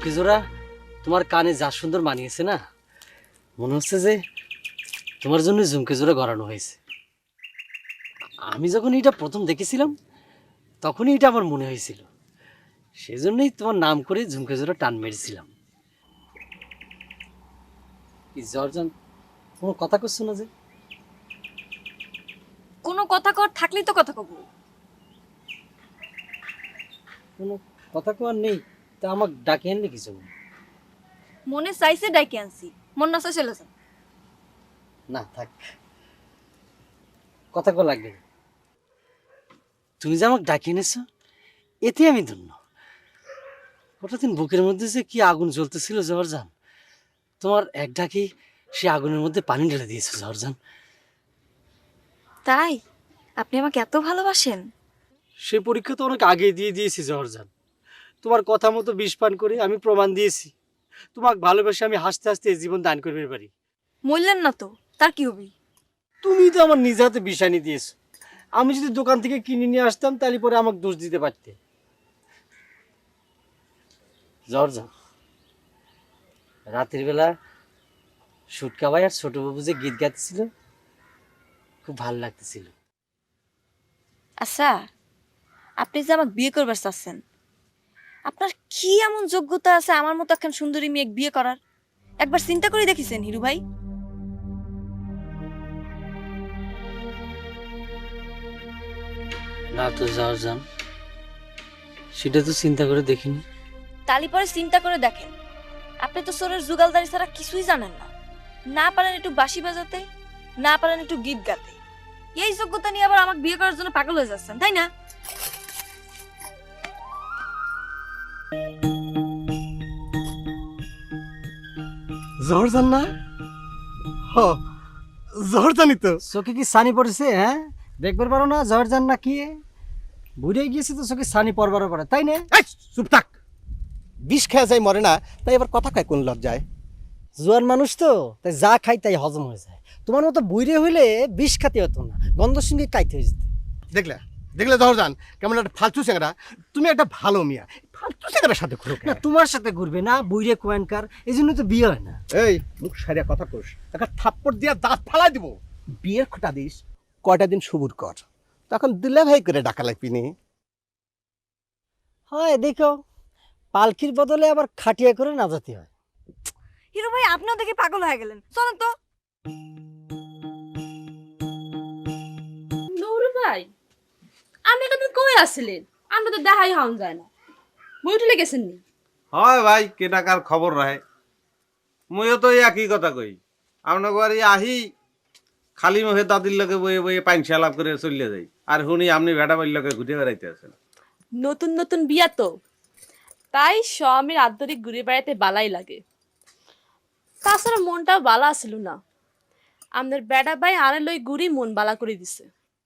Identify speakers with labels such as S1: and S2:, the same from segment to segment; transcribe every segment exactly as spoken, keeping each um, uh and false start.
S1: ঝুমকে জোড়া তোমার কানে যা সুন্দর মানিয়েছে না, মনে হচ্ছে যে তোমার জন্য ঝুমকে জোড়া গড়ানো হয়েছে। আমি যখন এটা প্রথম দেখেছিলাম তখনই এটা আমার মনে হয়েছিল, সেজন্যই তোমার নাম করে ঝুমকে জোড়া টান মেরেছিলাম। কি জর্জান, কোনো কথা করছো না যে?
S2: কোনো কথা কর থাকলেই তো কথা কব।
S1: কোনো কথা কোয়ার নেই, তা আমাকে ডাকে আনলে কিছু?
S2: মনে চাইছে ডাইকে আনছি, মন না চাই চলে যান।
S1: না থাক, কথা কো লাগবে না। তুমি যে আমাকে ডাকিয়ে এনেছো এতে আমি ধন্য। ওটা দিন বুকের মধ্যে যে কি আগুন জ্বলতেছিল জহরজান, তোমার এক ডাকি সে আগুনের মধ্যে পানি ঢেলে দিয়েছো জহরজান।
S2: তাই আপনি আমাকে এত ভালোবাসেন?
S1: সে পরীক্ষা তো অনেক আগে দিয়ে দিয়েছি জহরজান। তোমার কথা মতো বিষ পান করে আমি প্রমাণ দিয়েছি তোমাকে ভালোবেসে আমি হাসতে হাসতে এই জীবন দান করবে পারি।
S2: মরলেন না তো, তার কি হবি? তুমি
S1: তো আমার নিজ হাতে বিষ আনি দিয়েছো। আমি যদি দোকান থেকে কিনে নিয়ে আসতাম তাহলে পরে আমাকে দোষ দিতে পারতে। জর্জা, রাতের বেলা সুটকা ভাই আর ছোট বাবু যে গীত গাইতেছিল খুব ভালো লাগতেছিল।
S2: আচ্ছা, আপনি যে আমাকে বিয়ে করবার চাচ্ছেন, আপনার কি এমন যোগ্যতা আছে আমার মতো একখান সুন্দরী মেয়ে বিয়ে করার? একবার চিন্তা করে দেখেছেন হিরু ভাই?
S1: না তো জর্জান, সেটা তো চিন্তা করে দেখিনি।
S2: তালি পরে চিন্তা করে দেখেন। আপনি তো সোরের জুগালদারি ছাড়া কিছুই জানেন না। না পারেন একটু বাঁশি বাজাতে, না পারেন একটু গীত গাতে। এই যোগ্যতা নিয়ে আবার আমাকে বিয়ে করার জন্য পাগল হয়ে যাচ্ছেন, তাই না?
S3: জহরজান না? হ, জহরজানই তো।
S1: চোখে কি সানি পড়েছে? হ্যাঁ, দেখবার পারো না জহরজান না কি? বুড়ে গিয়েছে তো চোখে সানি পড়বারও পারে, তাই না?
S3: এই, চুপ থাক। বিষ খেয়ে যায় মরে না, তাই এবার কথা খায় কোন লজ্জায়?
S1: জোয়ান মানুষ তো, তাই যা খাই তাই হজম হয়ে যায়। তোমার মতো বুড়ে হইলে বিষ খাতে হতো না, গন্ধর সঙ্গে কাইতে হয়ে যেত।
S3: দেখলে দেখলে জহরজান কেমন একটা ফালতু চেংড়া। তুমি একটা ভালো মিয়া, ফালতু চেংড়ার সাথে ঘুরো
S1: না তোমার সাথে ঘুরবে না, বুড়ে কোয়ানকার, এই জন্য তো বিয়ে হয় না।
S3: এই মুখ সারিয়া কথা কোস, একটা থাপ্পড় দিয়া দাঁত ফালাই দিব। বিয়ের খোটা দিস, কয়টা দিন সবুর কর, তখন দিলে ভাই করে ডাকা লাগবি নি।
S1: হয় দেখো, পালকির বদলে আবার খাটিয়া করে না যেতে হয়।
S2: হিরো ভাই, আপনিও দেখে পাগল হয়ে গেলেন, চলেন তো।
S4: নৌরু ভাই, আপনি কিন্তু কই আসছিলেন? আমরা তো দেখাই হন যায় না। বই উঠলে গেছেন নি?
S5: হয় ভাই, কেনাকার খবর রাহে। মইও তো একই কথা কই, আপনার বাড়ি আহি খালি মুখে দাদির লগে বইয়ে বইয়ে পাইনসা লাভ করে চলে যাই, আর শুনি আপনি ভেটা বাড়ির লগে ঘুরে বেড়াইতে আছেন।
S4: নতুন নতুন বিয়া তো, তাই স্বামীর আন্তরিক ঘুরে বেড়াইতে বালাই লাগে। তাছাড়া মনটাও বালা আসিল না। আমাদের বেটা ভাই আনে লই ঘুরি মন বালা করে দিছে।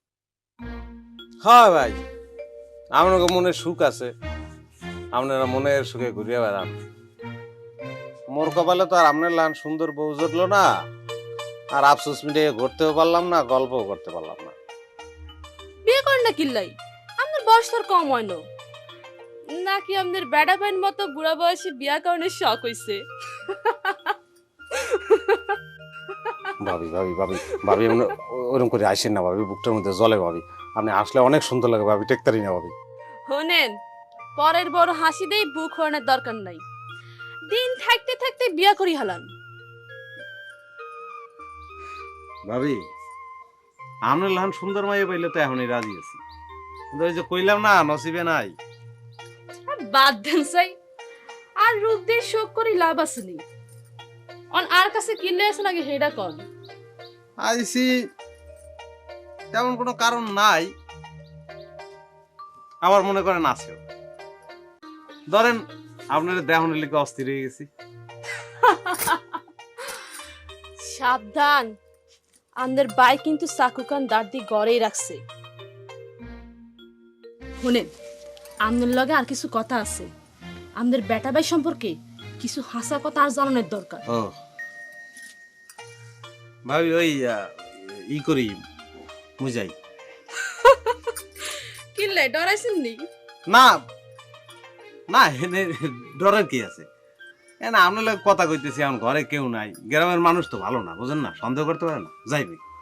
S5: হয় ভাই, আপনার মনে সুখ আছে, আপনারা মনের সুখে ঘুরিয়ে বেড়ান। মোর কপালে তো আর আপনার লান সুন্দর বউ জুটলো না, আর আফসোস মিটিয়ে ঘুরতেও পারলাম না, গল্পও করতে পারলাম না।
S4: বিয়ে করেন না কিল্লাই? আপনার বয়স তোর কম হয় না নাকি? আমাদের বেটা ভাইয়ের মতো বুড়া বয়সে বিয়া করানোর শখ হইছে?
S5: ভাবি ভাবি ভাবি ভাবি ওরকম করে আসেন না ভাবি, বুকটার মধ্যে জলে ভাবি। আপনি আসলে অনেক সুন্দর লাগে ভাবি, টেকতারি না ভাবি।
S4: শোনেন, পরের বড় হাসি দেই বুক হরানোর দরকার নাই। দিন থাকতে থাকতে বিয়া করি হালান।
S5: ভাবি, আমরা লান সুন্দর মাইয়ে পাইলে তো এখনই রাজি আছি, কিন্তু ওই যে কইলাম না নসিবে নাই।
S4: আর বাদ দেন চাই, আর রূপ দিয়ে শোক করি লাভ আসেনি। অন আর কাছে কিনলে আছে নাকি হেডা কন?
S5: আইসি তেমন কোনো কারণ নাই, আবার মনে করেন আছে। ধরেন আপনার দেহনের লিখে অস্থির হয়ে গেছি।
S4: সাবধান, আমাদের বাই কিন্তু চাকুকান দাঁড় দিয়ে গড়েই রাখছে। শুনেন, আমাদের লগে আর কিছু কথা আছে। আমাদের বেটা ভাই সম্পর্কে কিছু হাসা কথা আর জানানোর দরকার।
S5: ও ভাবি, ওই ই করি মুজাই।
S4: কিনলে ডরাইছেন নি?
S5: না না, এনে ডরের কি আছে? এ না আপনার লগে কথা কইতেছি, এখন ঘরে কেউ নাই, গ্রামের মানুষ তো ভালো না, বুঝেন না, সন্দেহ করতে পারে না, যাইবে।